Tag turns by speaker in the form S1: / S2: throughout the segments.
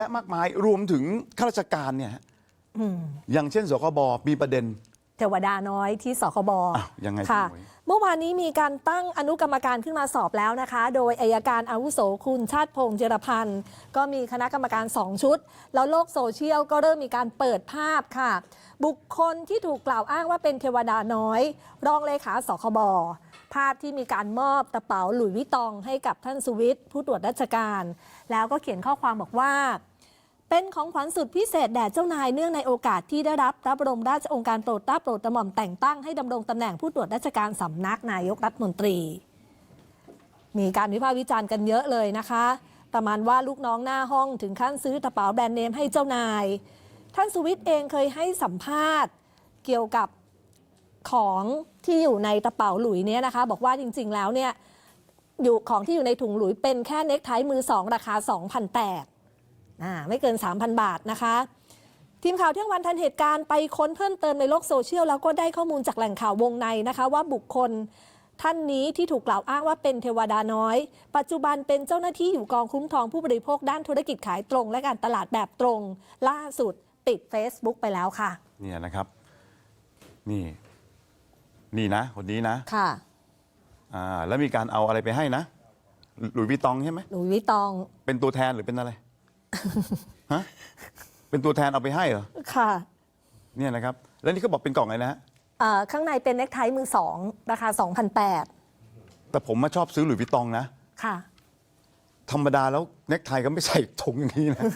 S1: และมากมายรวมถึงข้าราชการเนี่ยอย่างเช่นสคบมีประเด็น
S2: เทวดาน้อยที่สคบ
S1: ยังไง
S2: ค่ะเมื่อวานนี้มีการตั้งอนุกรรมการขึ้นมาสอบแล้วนะคะโดยอัยการอาวุโสคุณชาติพงษ์เจรพันธ์ก็มีคณะกรรมการ2ชุดแล้วโลกโซเชียลก็เริ่มมีการเปิดภาพค่ะบุคคลที่ถูกกล่าวอ้างว่าเป็นเทวดาน้อยรองเลขาสคบภาพที่มีการมอบกระเป๋าหลุยส์วิตตองให้กับท่านสุวิทย์ผู้ตรวจราชการแล้วก็เขียนข้อความบอกว่าเป็นของขวัญสุดพิเศษแด่เจ้านายเนื่องในโอกาสที่ได้รับพระบรมราชโองการโปรดเกล้าโปรดกระหม่อมแต่งตั้งให้ดำรงตำแหน่งผู้ตรวจราชการสำนักนายกรัฐมนตรีมีการวิพากษ์วิจารณ์กันเยอะเลยนะคะประมาณว่าลูกน้องหน้าห้องถึงขั้นซื้อกระเป๋าแบรนด์เนมให้เจ้านายท่านสุวิทย์เองเคยให้สัมภาษณ์เกี่ยวกับของที่อยู่ในกระเป๋าหลุยส์เนี่ยนะคะบอกว่าจริงๆแล้วเนี่ยอยู่ของที่อยู่ในถุงหลุยส์เป็นแค่เน็กไทมือสองราคา 2,800ไม่เกิน 3,000 บาทนะคะทีมข่าวเที่ยงวันทันเหตุการณ์ไปค้นเพิ่มเติมในโลกโซเชียลแล้วก็ได้ข้อมูลจากแหล่งข่าววงในนะคะว่าบุคคลท่านนี้ที่ถูกกล่าวอ้างว่าเป็นเทวดาน้อยปัจจุบันเป็นเจ้าหน้าที่อยู่กองคุ้มครองผู้บริโภคด้านธุรกิจขายตรงและการตลาดแบบตรงล่าสุดปิด Facebook ไปแล้วค่ะ
S1: เนี่ยนะครับนี่นะคนนี้นะ
S2: ค่ะ
S1: แล้วมีการเอาอะไรไปให้นะหลุยส์วิตตองใช่ไหม
S2: หลุยส์วิตตอง
S1: เป็นตัวแทนหรือเป็นอะไรฮะเป็นตัวแทนเอาไปให้เหรอ
S2: ค่ะ
S1: เนี่ยนะครับแล้วนี่เขาบอกเป็นกล่องอะไรนะฮะ
S2: ข้างในเป็นเน็กไทมือสองราคา 2,800
S1: แต่ผมมาชอบซื้อหลุยส์วิตตองนะ
S2: ค่ะ
S1: ธรรมดาแล้วเน็กไทก็ไม่ใส่ถุงอย่างนี้นะ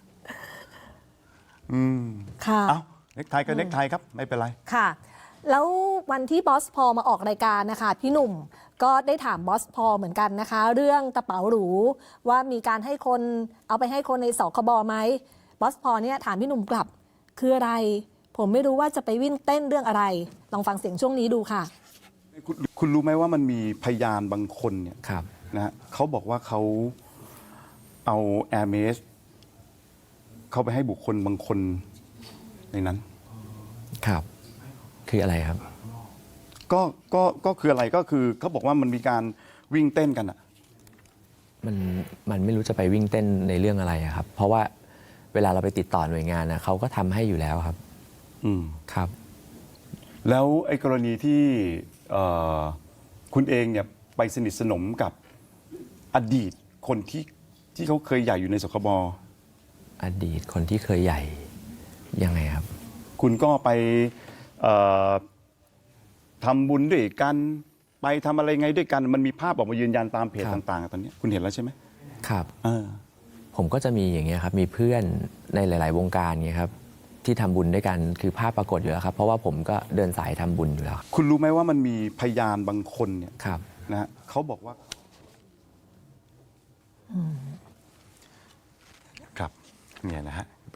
S2: ค่ะ
S1: เอ้าเน็กไทก็เน็กไทครับไม่เป็นไร
S2: ค่ะแล้ววันที่บอสพอมาออกรายการนะคะพี่หนุ่มก็ได้ถามบอสพอเหมือนกันนะคะเรื่องกระเป๋าหรูว่ามีการให้คนเอาไปให้คนในสคบไหมบอสพอเนี่ยถามพี่หนุ่มกลับคืออะไรผมไม่รู้ว่าจะไปวิ่งเต้นเรื่องอะไรลองฟังเสียงช่วงนี้ดูค่ะ
S1: คุณรู้ไหมว่ามันมีพยานบางคนเนี่ยนะฮะเขาบอกว่าเขาเอาแอร์เมสเขาไปให้บุคคลบางคนในนั้น
S3: ครับคืออะไรครับ
S1: ก็คืออะไรก็คือเขาบอกว่ามันมีการวิ่งเต้นกันอ่ะ
S3: มันไม่รู้จะไปวิ่งเต้นในเรื่องอะไรครับเพราะว่าเวลาเราไปติดต่อหน่วยงานนะเขาก็ทำให้อยู่แล้วครับครับ
S1: แล้วไอ้กรณีที่คุณเองเนี่ยไปสนิทสนมกับอดีตคนที่เขาเคยใหญ่อยู่ในสคบ
S3: อดีตคนที่เคยใหญ่ยังไงครับ
S1: คุณก็ไปทำบุญด้วยกันไปทำอะไรไงด้วยกันมันมีภาพออกมายืนยันตามเพจต่างๆตอนนี้คุณเห็นแล้วใช่ไหม
S3: ครับผมก็จะมีอย่างเงี้ยครับมีเพื่อนในหลายๆวงการเงี้ยครับที่ทำบุญด้วยกันคือภาพปรากฏอยู่แล้วครับเพราะว่าผมก็เดินสายทำบุญอยู่แล้ว
S1: คุณรู้ไหมว่ามันมีพยานบางคนเนี่ย
S3: ครับ
S1: นะฮะเขาบอกว่าครับเนี่ยนะฮะ